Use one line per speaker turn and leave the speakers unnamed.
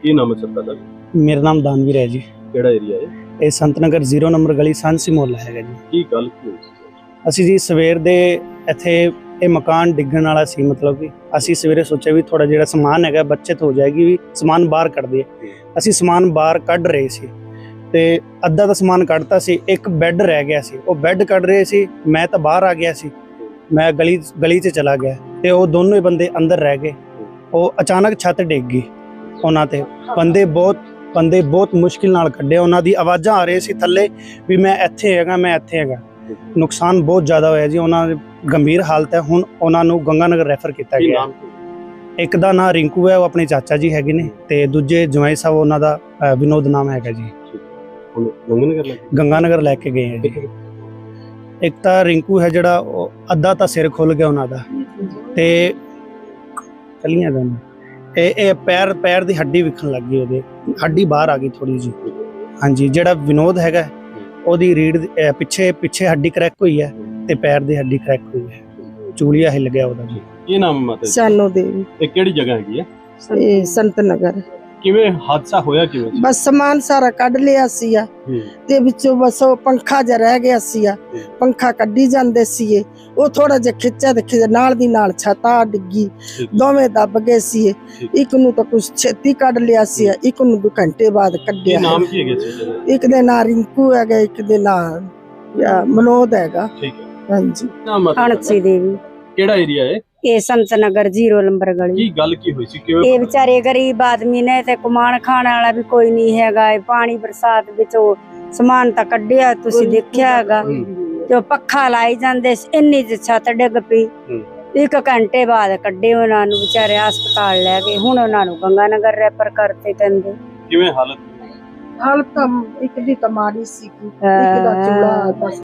ਕੀ ਨਾਮ ਹੈ ਸਰ ਤੁਹਾਡਾ?
ਮੇਰਾ ਨਾਮ ਦਾਨਵੀਰ ਹੈ ਜੀ।
ਕਿਹੜਾ ਏਰੀਆ ਹੈ
ਇਹ ਸੰਤ ਨਗਰ 0 ਨੰਬਰ ਗਲੀ ਸਾਂਸੀ ਮੁਹੱਲਾ ਹੈਗਾ ਜੀ।
ਕੀ ਗੱਲ ਕੀ ਹੋਈ ਸੀ?
ਅਸੀਂ ਜੀ ਸਵੇਰ ਦੇ ਇੱਥੇ ਇਹ ਮਕਾਨ ਡਿੱਗਣ ਵਾਲਾ ਸੀ, ਮਤਲਬ ਕਿ ਅਸੀਂ ਸਵੇਰੇ ਸੋਚਿਆ ਵੀ ਥੋੜਾ ਜਿਹੜਾ ਸਮਾਨ ਹੈਗਾ ਬੱਚਤ ਹੋ ਜਾਏਗੀ, ਵੀ ਸਮਾਨ ਬਾਹਰ ਕੱਢ ਦਈਏ। ਅਸੀਂ ਸਮਾਨ ਬਾਹਰ ਕੱਢ ਰਹੇ ਸੀ ਤੇ ਅੱਧਾ ਦਾ ਸਮਾਨ ਕੱਢਤਾ ਸੀ, ਇੱਕ ਬੈੱਡ ਰਹਿ ਗਿਆ ਸੀ। ਉਹ ਬੈੱਡ ਕੱਢ ਰਹੇ ਸੀ, ਮੈਂ ਤਾਂ ਬਾਹਰ ਆ ਗਿਆ ਸੀ, ਮੈਂ ਗਲੀ 'ਚ ਚਲਾ ਗਿਆ ਤੇ ਉਹ ਦੋਨੋਂ ਹੀ ਬੰਦੇ ਅੰਦਰ ਰਹਿ ਗਏ। ਉਹ ਅਚਾਨਕ ਛੱਤ ਡਿੱਗ ਗਈ ਉਹਨਾਂ ਤੇ। ਬੰਦੇ ਬਹੁਤ ਮੁਸ਼ਕਿਲ ਨਾਲ ਕੱਢੇ। ਉਹਨਾਂ ਦੀ ਆਵਾਜ਼ਾਂ ਆ ਰਹੀਆਂ ਸੀ ਥੱਲੇ ਵੀ ਮੈਂ ਇੱਥੇ ਹੈਗਾ, ਮੈਂ ਇੱਥੇ ਹੈਗਾ। ਨੁਕਸਾਨ ਬਹੁਤ ਜ਼ਿਆਦਾ ਹੋਇਆ ਜੀ, ਉਹਨਾਂ ਦੀ ਗੰਭੀਰ ਹਾਲਤ ਹੈ। ਹੁਣ ਉਹਨਾਂ ਨੂੰ ਗੰਗਾਨਗਰ ਰੈਫਰ ਕੀਤਾ ਗਿਆ। ਇੱਕ ਦਾ ਨਾਂ ਰਿੰਕੂ ਹੈ, ਉਹ ਆਪਣੇ ਚਾਚਾ ਜੀ ਹੈਗੇ ਨੇ, ਤੇ ਦੂਜੇ ਜਵਾਈ ਸਾਹਿਬ ਉਹਨਾਂ ਦਾ ਵਿਨੋਦ ਨਾਮ ਹੈਗਾ ਜੀ। ਗੰਗਾਨਗਰ ਲੈ ਕੇ ਗਏ ਹੈ ਜੀ। ਇੱਕ ਤਾਂ ਰਿੰਕੂ ਹੈ ਜਿਹੜਾ, ਉਹ ਅੱਧਾ ਤਾਂ ਸਿਰ ਖੁੱਲ ਗਿਆ ਉਹਨਾਂ ਦਾ, ਤੇ ਕੱਲੀਆਂ ਦੋਨੋਂ ਇਹ ਪੈਰ ਦੀ ਹੱਡੀ ਵਿਖਣ ਲੱਗ ਗਈ, ਉਹਦੇ ਹੱਡੀ ਬਾਹਰ ਆ ਗਈ ਥੋੜੀ ਜੀ। ਹਾਂਜੀ, ਜਿਹੜਾ ਵਿਨੋਦ ਹੈਗਾ ਉਹਦੀ ਰੀੜ ਪਿੱਛੇ ਹੱਡੀ ਕਰੈਕ ਹੋਈ ਹੈ ਤੇ ਪੈਰ ਦੀ ਹੱਡੀ ਕਰੈਕ ਹੋਈ ਹੈ, ਚੂਲੀਆ ਹਿੱਲ ਗਿਆ ਉਹਦਾ ਜੀ।
ਕੀ ਨਾਮ ਹੈ ਮਾਤਾ ਜੀ?
ਸਾਨੋ ਦੇਵੀ।
ਇਹ ਕਿਹੜੀ ਜਗ੍ਹਾ ਹੈਗੀ ਹੈ?
ਇਹ ਸੰਤ ਨਗਰ।
ਕਿਵੇਂ ਹਾਦਸਾ ਹੋਇਆ ਕਿਵੇਂ?
ਬਸ ਸਮਾਨ ਸਾਰਾ ਕੱਢ ਲਿਆ ਸੀ ਤੇ ਵਿੱਚੋਂ ਬਸ ਉਹ ਪੰਖਾ ਜਿਹਾ ਰਹਿ ਗਿਆ ਸੀ। ਪੰਖਾ ਕੱਢੀ ਜਾਂਦੇ ਸੀ, ਉਹ ਥੋੜਾ ਜਿਹਾ ਖਿੱਚਿਆ ਤੇ ਨਾਲ ਦੀ ਨਾਲ ਛੱਤ ਆ ਡਿੱਗੀ, ਦੋਵੇਂ ਦੱਬ ਗਏ ਸੀ। ਇੱਕ ਨੂੰ ਤਾਂ ਕੁਛ ਛੇਤੀ ਕੱਢ ਲਿਆ ਸੀ, ਇੱਕ ਨੂੰ 2 ਘੰਟੇ ਬਾਅਦ ਕੱਢਿਆ।
ਨਾਮ ਕੀ ਹੈਗਾ ਸੀ?
ਇੱਕ ਦੇ ਨਾਂ ਰਿੰਕੂ ਹੈਗਾ, ਇੱਕ ਦੇ ਨਾਂ ਮਨੋਦ ਹੈਗਾ।
ਠੀਕ ਹੈ।
ਹਾਂਜੀ।
ਹਣਸੀ ਦੇਵੀ।
ਕਿਹੜਾ ਏਰੀਆ ਹੈ
ਇਹ ਸੰਤ ਨਗਰ 0 ਨੰਬਰ ਗਲੀ।
ਕੀ ਗੱਲ ਕੀ ਹੋਈ ਸੀ? ਕਿਵੇਂ?
ਇਹ ਵਿਚਾਰੇ ਗਰੀਬ ਆਦਮੀ ਨੇ ਤੇ ਕਮਾਣ ਖਾਣ ਵਾਲਾ ਵੀ ਕੋਈ ਨਹੀਂ ਹੈਗਾ। ਇਹ ਪਾਣੀ ਬਰਸਾਤ ਵਿੱਚ ਉਹ ਸਮਾਨ ਤਾਂ ਕੱਢਿਆ, ਤੁਸੀਂ ਦੇਖਿਆ ਹੈਗਾ, ਤੇ ਉਹ ਪੱਖਾ ਲਾਈ ਜਾਂਦੇ, ਇੰਨੀ ਜਿਹੀ ਛੱਤ ਡਿੱਗ ਪਈ। 1 ਘੰਟੇ ਬਾਅਦ ਕੱਢੇ ਉਹਨਾਂ ਨੂੰ, ਵਿਚਾਰੇ ਹਸਪਤਾਲ ਲੈ ਗਏ। ਹੁਣ ਉਹਨਾਂ ਨੂੰ ਗੰਗਾਨਗਰ ਰੈਫਰ ਕਰਤੇ ਕਹਿੰਦੇ।
ਕਿਵੇਂ ਹਾਲਤ?
ਹਾਲਤ ਤਾਂ ਇੱਕ ਦੀ ਤਾਂ ਮਾੜੀ ਸੀ, ਇੱਕ ਦਾ ਚੂੜਾ